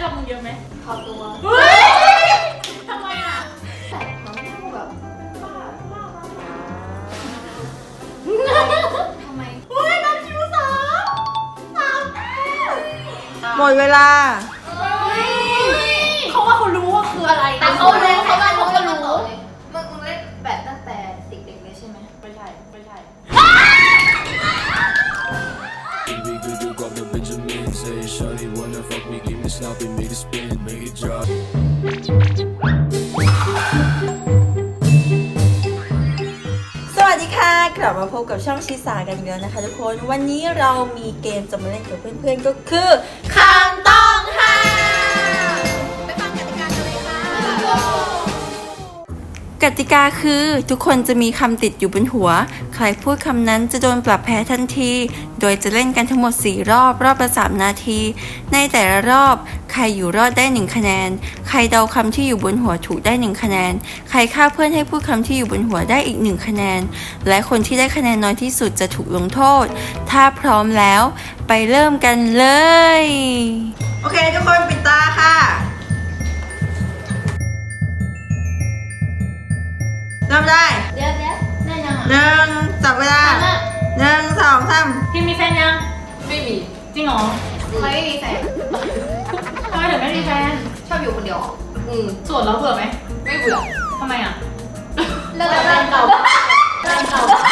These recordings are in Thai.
อบมึงเยอะไหมขอตัวทำไมอ่ะแต่เขาแบบบ้าทำไมน้ำคิวสามหมดเวลาเขาว่าเขารู้ว่าคืออะไรแต่เขาเล่นเขาก็รู้มึงเล่นแบบตั้งแต่เด็กๆเลยใช่ไหมไม่ใช่ไม่ใช่ Say shawty wanna fuck me, give me sloppy, make it spin, make it drop. สวัสดีค่ะกลับมาพบกับช่องชิสากันอีกแล้วนะคะทุกคนวันนี้เรามีเกมจะมาเล่นกับเพื่อนๆก็คือคำต้องห้ามไปฟังกติกากันเลยค่ะกติกาคือทุกคนจะมีคำติดอยู่บนหัวใครพูดคำนั้นจะโดนปรับแพ้ทันทีโดยจะเล่นกันทั้งหมด4รอบรอบละ3นาทีในแต่ละรอบใครอยู่รอดได้1คะแนนใครเดาคำที่อยู่บนหัวถูกได้1คะแนนใครฆ่าเพื่อนให้พูดคำที่อยู่บนหัวได้อีก1คะแนนและคนที่ได้คะแนนน้อยที่สุดจะถูกลงโทษถ้าพร้อมแล้วไปเริ่มกันเลยโอเคทุกคนปิดตาค่ะเริ่มได้เดี๋ยวได้ยังหนึ่งจับเวลา1 2 3 พี่มีแฟนยังไม่มีจริงเหรอไม่มีแฟนทำไมถึงไม่มีแฟนชอบอยู่คนเดียวโสดแล้วเบื่อไหมไม่เบื่อทำไมอ่ะเลิกแฟนเก่าแฟนเก่าแล้ว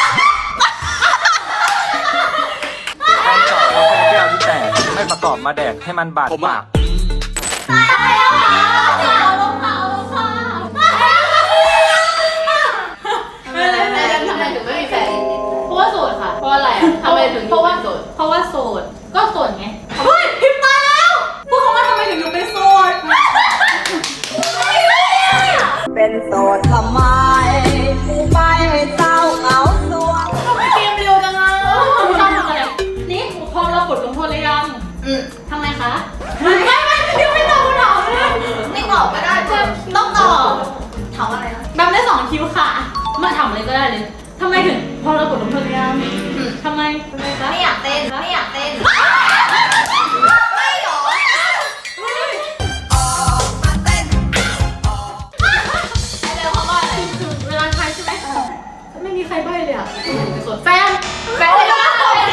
แก้วที่แตกไม่ประกอบมาแดกให้มันบาดปากทำไมถึงไม่มีแฟนเพราะว่าโสดค่ะเพราะอะไรทำไมถึงเพราะว่าโสดเพราะว่าโสดก็โสดไงเฮ้ยพิมพ์ตายแล้วพูดคำว่าทำไมถึงอยู่เป็นโสดเป็นโสดทำไมไม่เศร้าเหงาสวงทำไมเกมเร็วจังอ่ะชอบทำอะไรนี่พร้อมเรากดลงโทษหรือยังทำไมคะไม่ยังไม่ตอบคำถามเลยไม่ตอบก็ได้ต้องตอบถามอะไรนะแบบได้2คิวค่ะมาถามอะไรก็ได้เลยทำไมถึงพอเรากดลงโทษหรือยังทำไมคะไม่อยากเต้นไม่อยากเต้นไม่หรอมาเต้นไอเร็วเขาบอกอะไรคือเวลาใครใช่ไหมไม่มีใครใบ้เลยอ่ะส่วนแฟนไม่ได้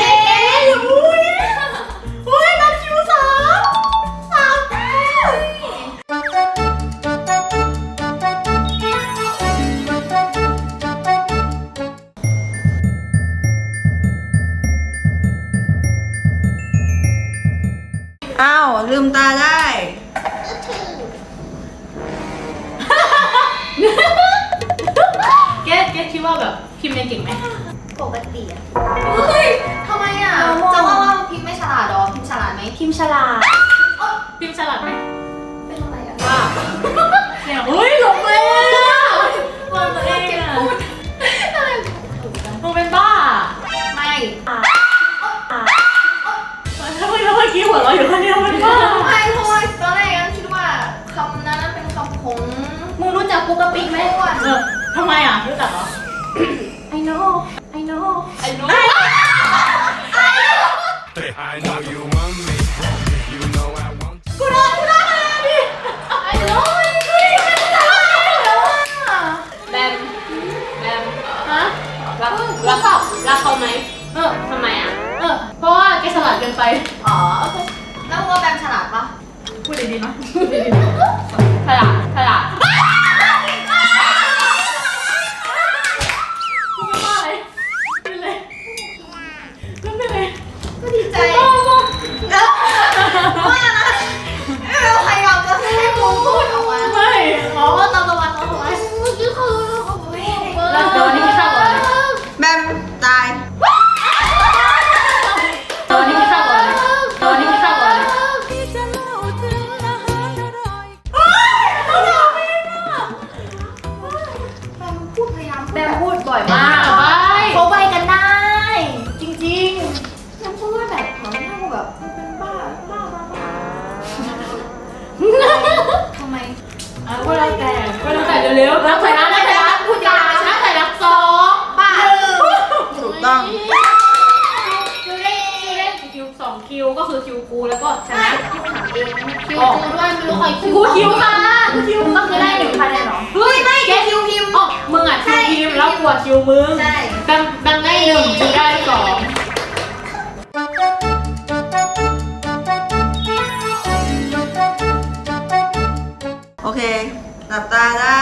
อุ้ยนับคิว3 อ้าวลืมตาได้เกดคิดว่าแบบพิมพ์เรียนเก่งไหมปกติอ่ะเฮ้ยทำไมอ่ะจะว่าพิมพ์ไม่ฉลาดหรอพิมพ์ฉลาดไหมพิมพ์ฉลาดพิมพ์ฉลาดไหมเป็นอะไรอ่ะว่าเฮ้ยหลงเลยว่าตัวเองอ่ะมึงเป็นบ้าไม่ทำไมเราเมื่อกี้หัวเราะอยู่คนเดียวเป็นบ้าไม่เพราะว่าตอนแรกคิดว่าคำนั้นเป็นคำของมึงรู้จักปุ๊กกะปิไหมทำไมอ่ะรู้จักเหรอ I know I know you want me you know I want กูโดนดิ I know แบมฮะรักเขาไหมทำไมอ่ะเพราะว่าแกฉลาดเกินไปอ๋อโอเคแล้วมึงว่าแบมฉลาดปะพูดดีๆนะฉลาดพูดไม่ว่าอะไรเป็นเลยก็ดีใจว่านะเราพยายามจะให้มึงพูดออกมาไม่ตามตะวันเมื่อกี้เขาแล้วเดี๋ยววันนี้กินข้าวก่อนแบมตายวันนี้กินข้าวก่อนแบมพูดบ่อยมากเขาใบกันได้จริงๆฉันพูดว่าแบบเขาหน้าแบบเป็นบ้าทำไมก็แล้วแต่เร็วๆแล้วใส่รักพูดยาวนะใส่รัก2บ้าถูกต้องคิว2คิวก็คือคิวกูแล้วก็ชนะที่ไม่ถามเองไม่คิวกูด้วยไม่รู้ใครคิวกูคิวค่ะกูคิวก็คือได้1,000เลยเหรอเฮ้ยไม่แกคิวพิมพ์อ๋อมึงอ่ะคิวทีมแล้วกวดคิวมึงใช่แบมได้1คิวได้2 โอเค หลับตาได้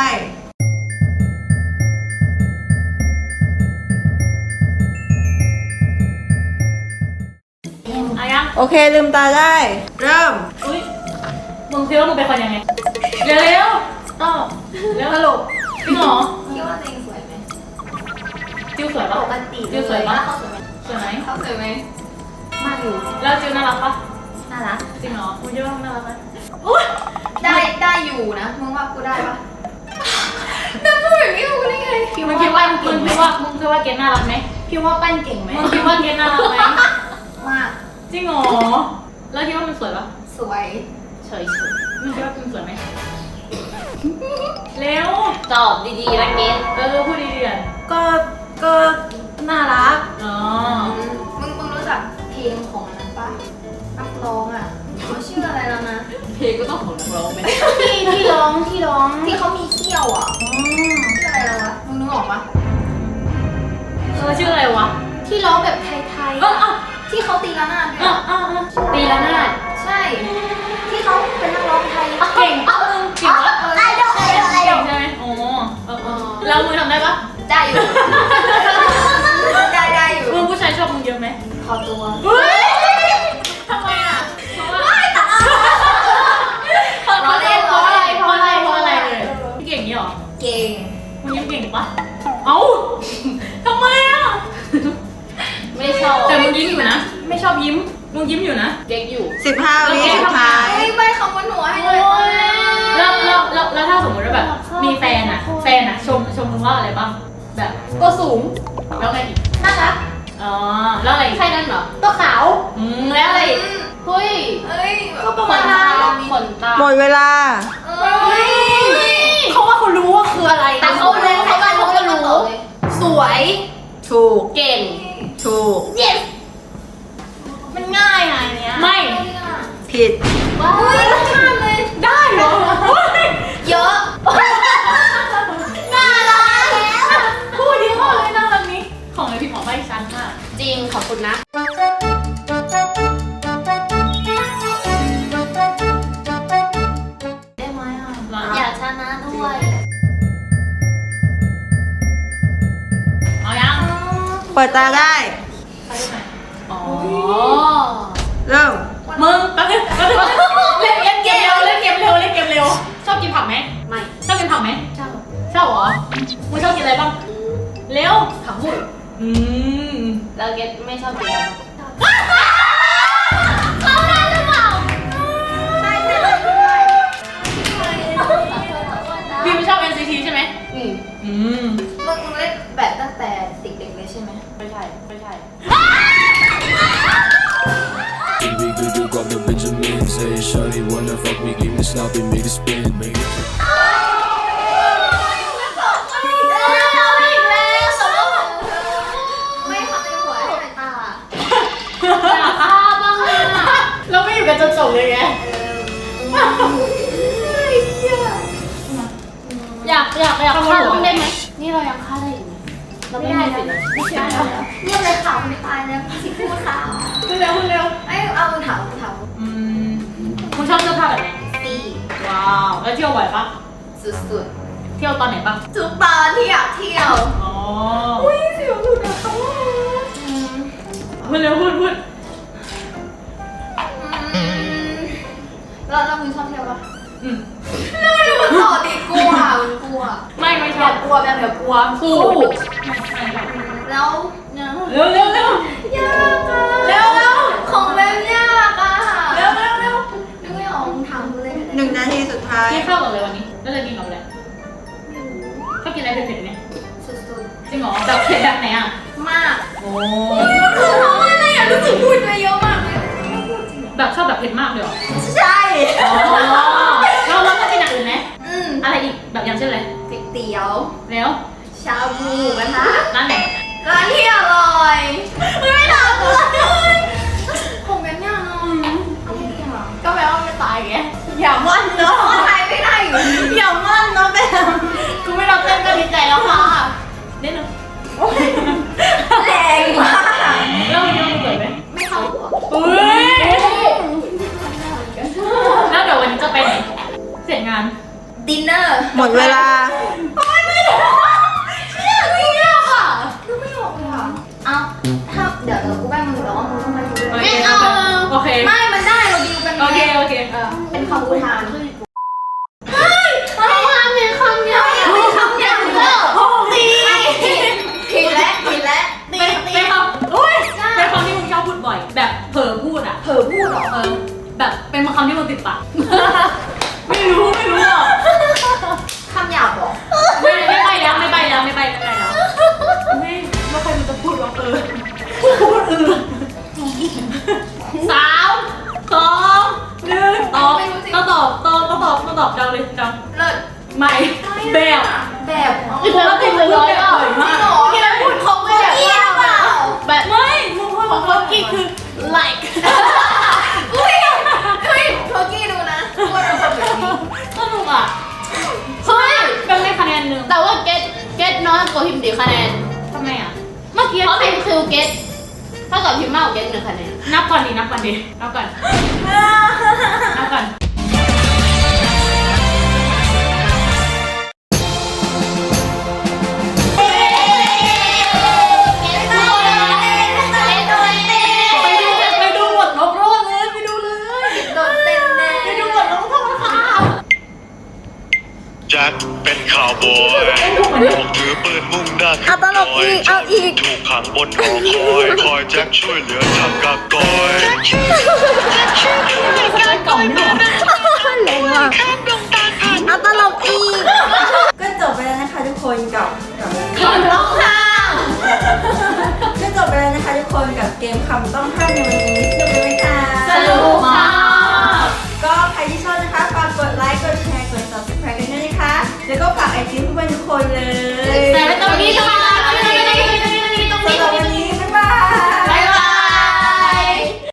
อายังโอเค ลืมตาได้ เริ่มอุ้ยมึงคิดว่ามึงเป็นคนยังไงเร็วๆอ้าวเร็วสรุปจริงเหรอคิดว่าตัวเองสวยไหมจิวสวยปะปกติจิวสวยปะเขาสวยไหมสวยไหมเขาสวยไหมมากอยู่แล้วจิวน่ารักปะน่ารักจริงเหรอมึงคิดว่ามึงน่ารักไหมได้อยู่นะมึงว่ากูได้ปะแต่พูดแบบนี้กูได้ไงมึงคิดว่าเกณฑ์น่ารักไหมพี่ว่าปั้นเก่งไหมมึงคิดว่าเกณฑ์น่ารักไหมมากจริงเหรอแล้วคิดว่ามันสวยปะสวยเฉยมึงคิดว่ามันสวยไหมเร็วตอบดีๆนะเกดพูดดีๆอ่ะก็น่ารักอ๋อมึงรู้จักเพลงของอันนั้นปะนักร้องอ่ะเขาชื่ออะไรแล้วนะเพลงก็ต้องของนักร้องไหมที่ร้องที่เขามีเขี้ยวอ่ะชื่ออะไรแล้ววะมึงนึกออกปะชื่ออะไรวะที่ร้องแบบไทยๆที่เขาตีระนาดด้วยอะตีละนาดใช่ ที่เขาเป็นนักร้องไทยเก่งปะมึงเก่งปะไอดอลเก่งใช่ไหมโอ้แล้วมึงทำได้ปะได้อยู่ ได้อยู่มึงผู้ชายชอบมึงเยอะไหมขอตัวเฮ้ยทำไมอ่ะเพราะว่าเพราะอะไรเลยเก่งนี่หรอเก่งมึงยิ้มเก่งปะเอ้าทำไมอ่ะไม่ชอบแต่มึงยิ้มอยู่นะ ไม่ชอบยิ้ม มึงยิ้มอยู่นะเด็กอยู่ 15 วิสุดท้ายเฮ้ยใบคำว่าหนูให้เลยแล้วถ้าสมมติว่าแบบมีแฟนอ่ะชมมึงว่าอะไรบ้างแบบตัวสูงแล้วไงอีกน่ารักอ๋อแล้วอะไรอีกใช่นั่นเหรอตัวขาวแล้วอะไรอีกเฮ้ยเอ้ยก็ประขมาณนนั้ตาน ขนตาหมดเวลาเฮ้ยเขาว่าเขารู้ว่าคืออะไรแต่เขารู้เขาก็รู้สวยถูกเก่งถูก yes มันง่ายอ่ะอันเนี้ยไม่ผิดว้าวข้ามเลยได้เหรอเยอะน่ารักแล้วพูดดีมากเลยน่ารักนี้ของไอพี่หมอใบชั้นมากจริงขอบคุณนะได้ไหมอ่ะอยากชนะด้วยเอายังเปิดตาได้ไปได้ไหมอ๋อเริ่มมึงแป๊บนึงเล่นเกมเร็วชอบกินผักไหมไม่ชอบกินผักไหมชอบชอบเหรอมึงชอบกินอะไรบ้างเร็วผักบุ้งอืมแล้วเกดไม่ชอบกินอะไรเขาได้หรือเปล่าใช่ด้วยพี่ไม่ชอบ NCT ใช่ไหมอืมอืมมึงเล่นแบบตั้งแต่เด็กๆเลยใช่ไหมไม่ใช่ We could do grab the Benjamins. Hey, shawty wanna fuck me, give me sloppy, make it spin, make it. ไม่ทำในหัวให้ตาอยากฆ่าบ้างอะเราไม่อยู่กันจนจบเลยไงอยากฆ่าบ้างได้ไหมนี่เรายังฆ่าได้อยู่นะเราไม่มีสิทธิ์เลยไม่ใช่เรื่องเลยข่าวไม่ตายนะสิพูดข่าวพูดเร็วไอ้เอาถามอืมมึงชอบเสื้อผ้าแบบไหนตีว้าวแล้วเที่ยวบ่อยปะสุดเที่ยวตอนไหนปะๆทุกตอนที่อยากเที่ยวอ๋ออุ้ยเสียวหลุดอะเขาพูดเร็วพูดเรามึงชอบเที่ยวปะอืมไม่รู้มันต่อติกลัวมันกลัวไม่ชแบอบบกลัวแบบเดี๋ยวกลัวสู้แล้วเร็วยากอะของแบบยากอะนึกไม่ออกถามกูเลย 1 นาทีสุดท้ายกินข้าวกับอะไรวันนี้แล้วจะกินกับอะไรชอบกินอะไรเผ็ดๆไหมสุดจริงเหรอแบบเผ็ดแบบไหนอ่ะๆมากโอ้คือเพราะว่าอะไรอะรู้สึกพูดไปเยอะมากเลยไม่พูดจริงเหรอแบบชอบแบบเผ็ดมากเลยเหรอใช่อ๋อแล้วชอบกินอย่างอื่นไหมอืมอะไรอีกแบบอย่างเช่นอะไรก๋วยเตี๋ยวแล้วชาบูนะคะร้านไหนร้านที่อร่อยไม่ถามเลยคงเป็นยากเนาะเอาไม่ดีหรอก็แปลว่าไม่ตอบอย่ามั่นเนาะถ่ายไม่ได้อย่ามั่นเนาะแบบกูไม่รับเต้นก็ดีใจแล้วค่ะเล่นหนึ่งแรงมากแล้ววันนี้มันเกิดไหมไม่เข้าหัวอุ้ยแล้วเดี๋ยววันนี้จะไปไหนเสร็จงานดินเนอร์หมดเวลาไม่ออกเลยค่ะเอาถ้าเดี๋ยวกูแบ่งมือแล้วว่ามึงต้องมาดูด้วยไม่เอาโอเคไม่มันได้เราดีลกันโอเคโอเคเป็นคำอุทานไม่ทำเป็นคำเดียวไม่คำอย่างเดียวตีผิดแล้วตีเป็นคำอุ้ยเป็นคำที่มึงชอบพูดบ่อย แบบเผลอพูดอ่ะเผลอพูดเหรอแบบเป็นคำที่มึงติดปากไม่รู้หรอกคำหยาบเหรอไม่ไปแล้วไม่ใครมันจะพูดว่าพูด3 2 1ตอบก็ตอบจังเลยจังเลิศไม่แบบแบบอีกแล้วติดเลยร้อยอ่ะที่เราพูดเขาไม่แบบนี้เปล่าแบบไม่มึงพูดของเขากี่คือ like อุ้ยโทกี้ดูนะพูดเราแบบนี้สนุกอ่ะเฮ้ยเป็นได้คะแนนหนึ่งแต่ว่าเก็ตน้อยกว่าพิมพ์ดีคะแนนทำไมอ่ะเมื่อกี้เพราะพิมพ์คือเก็ตเท่ากับพิมพ์มากกว่าเก็ต1 คะแนนนับก่อนไปดูหมดลบรอบเลยไปดูเลยโดนเต้นแน่ไปดูหมดลบโทษค่ะแจ็คเป็นข่าวบอยออกถือปืนมุ่งหน้าขึ้นดอยถูกขังบนหอคอยแจ็คช่วยเหลือทำกากอยกล่องนี่หรอ